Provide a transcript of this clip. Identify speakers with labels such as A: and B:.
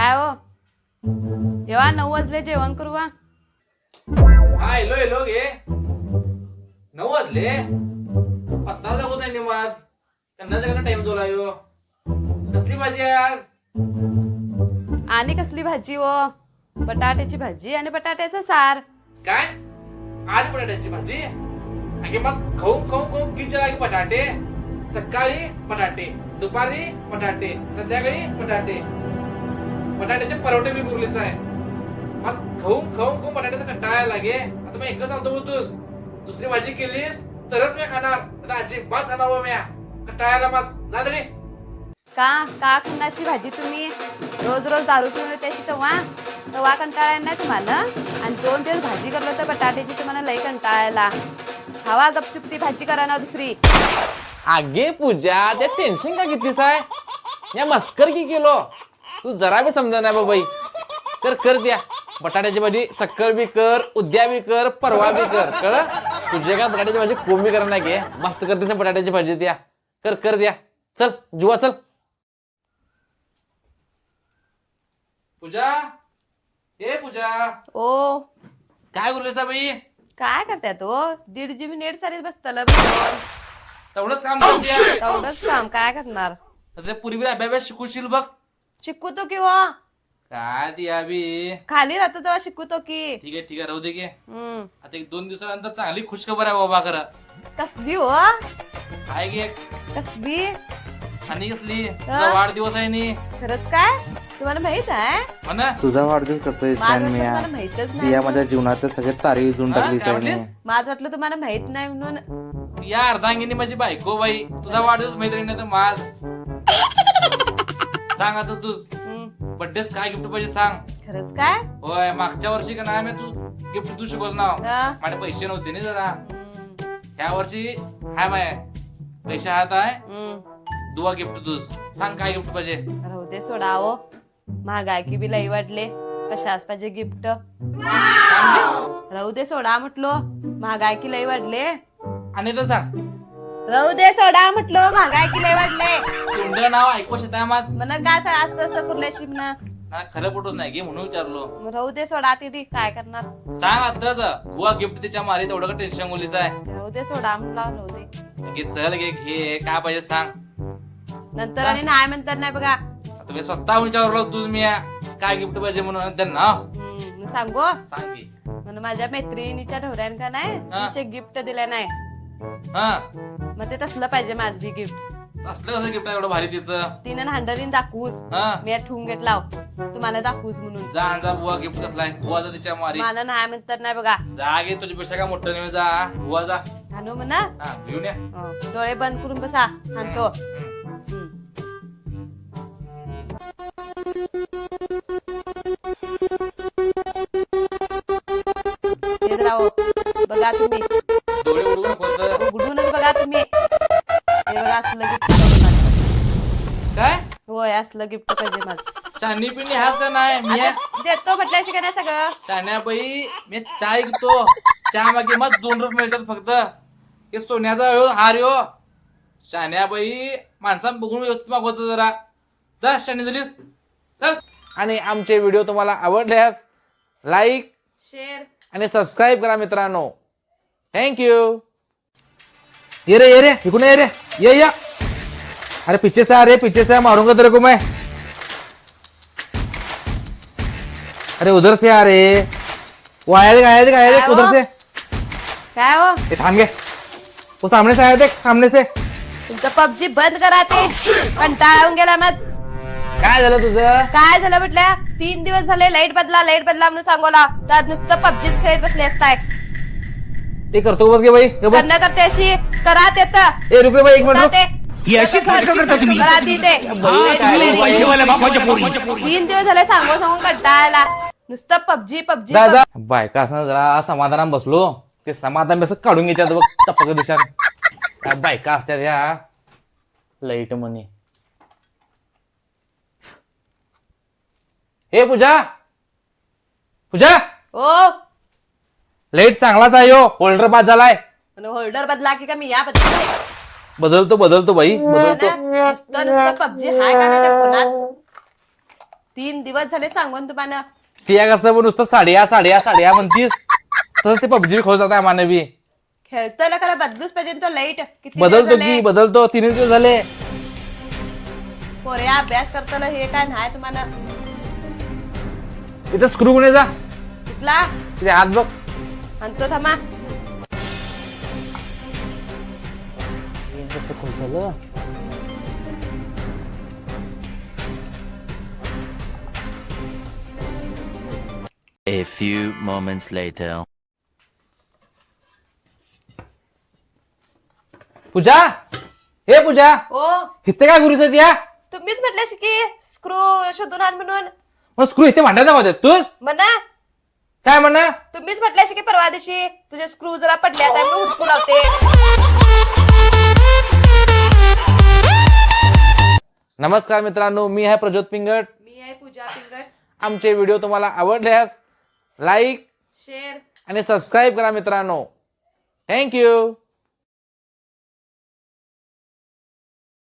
A: काय हो येवा 9 वाजले जेवण करू वा.
B: हा येलो घे 9 वाजले पत्ता जाऊच आहे निवाज त्यांना टाइम जोला यो. कसली भाजी आहे आज?
A: आणि कसली भाजी हो? बटाट्याची भाजी आणि बटाट्याचं सार.
B: काय आज बटाट्याची भाजी? अगे मस्त खाऊन किचन लागे बटाटे. सकाळी बटाटे, दुपारी बटाटे, संध्याकाळी बटाटे. बटाट्याचे परोठे मी बोललेच आहे. मस्त खाऊन बटाट्याचा कंटाळा लागे. आता मी एकच सांगतो बोलतोस दुसरी भाजी केलीस तरच मी खाणार. आता अजिबात खाणार हो म्या. कंटाळायला मस्त जा तरी.
A: का खाण्याची भाजी तुम्ही रोज रोज दारू पिऊन त्याची तवा कंटाळा नाही तुम्हाला. आणि 2 दिवस भाजी करलो तर बटाट्याची तुम्हाला लई कंटाळायला. खावा गपचूप ती भाजी करा ना दुसरी.
B: आगे पूजा ते टेन्शन का कितीस आहे? या मस्कर की केलो तू जरा बी समजा नाही बाबाई. कर द्या बटाट्याची भाजी. सकाळ बी कर, उद्या बी कर, परवा बी कर. कळ तुझे का बटाट्याची भाजी कोंबी करा नाही घे. मस्त करतेस बटाट्याची भाजी द्या. कर द्या. चल जुवा चल. पूजा ए पूजा
A: ओ
B: काय बोललेस बाई?
A: काय करताय तो 1.5 GB नेट सारीच बसतलं.
B: तेवढंच काम करते.
A: तेवढंच काम काय करणार.
B: पुरी बी अभ्यास शिकूशील बघ.
A: शिकू तो किंवा
B: काय ती बी
A: खाली राहतो तेव्हा शिकू तो की.
B: ठीक आहे राहू दे की.
A: हम्म.
B: आता 1-2 दिवसानंतर चांगली खुशखबर आहे बाबा. खरं
A: कसली हो
B: काय गे
A: कसली
B: आणि कसली तुझा वाढदिवस आहे नी.
A: खरंच काय तुम्हाला माहित आहे?
B: म्हणा
C: तुझा वाढदिवस कसं आहे
A: माझं
C: सॅन
A: वाटलं
C: मिया?
A: तुम्हाला माहितच नाही.
C: या माझ्या जीवनात सगळे तारे उजळून टाकली
B: काय
C: सॅन
B: म्हटलीस?
C: मिया.
A: माझं वाटलं तुम्हाला माहित नाही म्हणून.
B: या अर्धांगिनी माझी बायको बाई. तुझा वाढदिवस मैत्रिणी नाही तर माझ. सांग आता तू बर्थडेस काय गिफ्ट पाहिजे सांग.
A: खरंच काय
B: होय मागच्या वर्षी का नाही तू गिफ्ट तू शिकवस नाव.
A: हा?
B: माझे पैसे नव्हते ना जरा.
A: हम्म.
B: ह्या वर्षी हाय माय पैसे हात आहे.
A: हम्म.
B: दुवा गिफ्ट तूच सांग काय गिफ्ट पाहिजे.
A: राहू दे सोडा हो. महागाई की बी लई वाढले. कशाच पाहिजे गिफ्ट. राहू दे सोडा म्हटलो महागाई की लई वाढले.
B: आणि तर सांग
A: राहू दे सोडा म्हटलो महागाई की लई वाढले.
B: तुमचं नाव ऐकू शकता माझ.
A: म्हणा काय असं असं कुर्ल्याशी म्हणा.
B: खरं फोटोच नाही घे म्हणून विचारलो.
A: राहू दे सोडा तिथे काय करणार.
B: सांग आताच बुवा गिफ्ट तिच्या मारी तेवढं का टेन्शन मुलीच आहे.
A: राहू दे सोडा म्हणला राहू दे.
B: घे चल घे काय पाहिजे सांग.
A: नंतर आणि नाही म्हणतात नाही बघा.
B: आता मी स्वतः विचारलो तुझ मी काय गिफ्ट पाहिजे म्हणून त्यांना
A: सांगू
B: सांग की.
A: म्हणून माझ्या मैत्रिणीच्या ढोऱ्यान का नाही
B: हा.
A: तिचे गिफ्ट दिले नाही.
B: हा
A: मग ते तसलं पाहिजे माझं बी गिफ्ट.
B: असलं कसं गिफ्ट आहे एवढं भारी तिचं.
A: तिने हांडरीन दाखवूस.
B: हा
A: मी ठेवून घेतला तुम्हाला दाखवूस म्हणून.
B: जा बुवा गिफ्ट कसलाय बुवाचा तिच्या मारी.
A: मला नाही म्हणतात नाही बघा.
B: जा गे तुझ्यापेक्षा काय मोठं नाही जा बुवा जा.
A: हानू म्हणा.
B: हा घेऊन या.
A: डोळे बंद करून बसा हाणतो. बघा तुम्ही
B: डोळे उडवू नको.
A: उघडूनच बघा तुम्ही. हे बघा असलं गिफ्ट.
B: काय
A: होय असलं गिफ्ट पाहिजे माझं.
B: शानी पिणी हाच का नाही मी
A: आता देतो म्हटल्याशी का नाही सगळं.
B: शान्या बाई मी चाय घेतो. चहा मागे मग 2 रुपये मिळतात फक्त. हे सोन्याचा हार यो. शान्याबाई माणसां बघून व्यवस्थित मागवायचं जरा. जा शानी झालीस चल. आणि आमचे व्हिडिओ तुम्हाला आवडल्यास लाईक
A: शेअर
B: आणि सबस्क्राईब करा मित्रांनो. थँक्यू. ये रे इकडून ये रे ये या. अरे पीछे से आ रे पीछे से मारूंगा तेरे को मैं. अरे उधर से आ रे. वो आया रे उधर से.
A: काय हो
B: ये थांब गे. वो सामने से आया देख सामने से.
A: तुमचं पबजी बंद करा ते. कंटाळून गेला माझ.
B: काय झालं तुझं?
A: काय झालं म्हटल्या 3 दिवस झाले लाईट बदला म्हणून सांगोला तर नुसतं पबजीच खेळत बसले असताय.
B: ते करतो बस गे बाई बस.
A: करणं करते अशी करा ते तर.
B: ए रुक रे बाई एक मिनिट.
A: ते
D: ही अशी नाटकं करता तुम्ही.
A: करा ती ते.
D: पैसेवाल्या बापाच्या पोरी.
A: 3 दिवस झाले सांगून कंटाळायला. नुसतं पबजी
B: जा जा बायका असं जरा समाधानात बसलो. ते समाधान असं काढून घेतात बघ टपक दिशान. काय बायका असतात या लाईट म्हणे. हे पूजा
A: ओ
B: लाईट चांगलाच आहे हो. होल्डर बाद झालाय.
A: होल्डर बदला की का मी या बदला.
B: बदलतो बाई बदलतो.
A: नुसतं पबजी हाय का नाही त्या फोनात. 3 दिवस झाले सांगून तुम्हाला.
B: ती कसं पण नुसतं साड्या म्हणतीस तसंच ते पबजी खोल जात आहे मानवी.
A: खेळतोय करा बदलूच पाहिजे तो लाईट. किती
B: बदलतो 3 दिवस झाले.
A: पोरे अभ्यास करताना हे काय नाही तुम्हाला.
B: इथं स्क्रू कोणी जा
A: कुठला
B: तिथे हात बघ.
A: आणतो थांबा.
B: कसं खोलतं
E: A few moments later.
B: पूजा हे पूजा
A: ओ
B: इथे काय गुरुस या
A: तुम्हीच म्हटल्याशी की स्क्रू शोधून आण म्हणून.
B: मग स्क्रू इथे भांडायचा होत्या तूच
A: म्हणा
B: काय म्हणा.
A: तुम्हीच म्हटल्याशी की परवा दिवशी तुझे स्क्रू जरा पडले आता मी हुडकू लावते.
B: नमस्कार मित्रांनो, मी आहे प्रज्योत पिंगट.
A: मी आहे पूजा पिंगट.
B: आमचे व्हिडिओ तुम्हाला आवडल्यास लाईक
A: शेअर
B: आणि सबस्क्राईब करा मित्रांनो. थँक्यू.